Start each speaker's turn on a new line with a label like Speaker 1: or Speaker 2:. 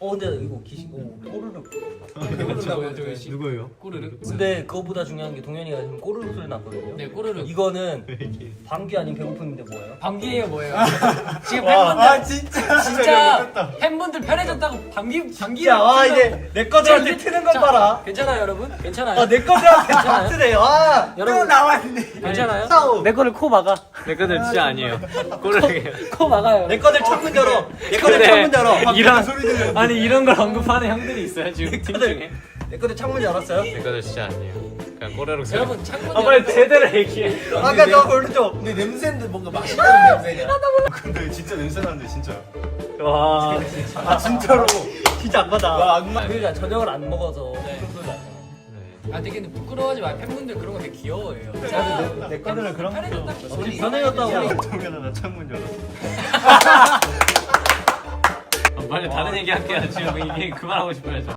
Speaker 1: 근데 이거 귀신 꼬르륵.
Speaker 2: 누구예요?
Speaker 3: 꼬르륵.
Speaker 1: 근데 그거보다 중요한 게 동현이가 지금 꼬르륵 소리 났거든요.
Speaker 3: 네, 꼬르륵.
Speaker 1: 이거는 방귀 아닌 배고픔인데 뭐예요?
Speaker 3: 방귀예요, 뭐예요? 지금 팬분들 진짜 팬분들 편해졌다고 방귀
Speaker 1: 와 이제 내 거들한테 트는 건 봐라.
Speaker 3: 괜찮아요, 여러분? 괜찮아요?
Speaker 1: 내 거들한테 다 트네.
Speaker 3: 여러분
Speaker 2: 나왔네.
Speaker 3: 괜찮아요?
Speaker 1: 싸우.
Speaker 3: 내 거를 코 막아.
Speaker 4: 내 거는 진짜 아니에요. 꼬르륵이에요.
Speaker 3: 코 막아요.
Speaker 1: 내 거들 창문 열어. 내 거들 창문 열어.
Speaker 4: 이런
Speaker 2: 소리 들려.
Speaker 4: 아니 이런 걸 언급하는 형들이 있어요 지금 팀 중에.
Speaker 1: 내 거들 창문 열었어요?
Speaker 4: 내 거는 진짜 아니에요. 그냥 꼬르륵 소리.
Speaker 3: 여러분 창문
Speaker 4: 빨리 제대로 얘기해.
Speaker 1: 아까 저 오른쪽.
Speaker 2: 근데 냄새인데 뭔가 맛있는 냄새냐? 근데 진짜 냄새 나는데 진짜.
Speaker 4: 와.
Speaker 2: 아 진짜로.
Speaker 1: 진짜 안 받아.
Speaker 2: 와 악마.
Speaker 1: 그러니까 저녁을 안 먹어서
Speaker 3: 네.
Speaker 1: 그런 소리 나잖아.
Speaker 3: 아 되게 근데 부끄러워하지 마. 팬분들 그런 거 되게 귀여워해요.
Speaker 2: 내 거들은 그런 거.
Speaker 1: 우리 변해졌다고.
Speaker 2: 동현아 나 창문 열어.
Speaker 4: 빨리 다른 얘기 할게요. 지금 이게 그만하고 싶어요. 저.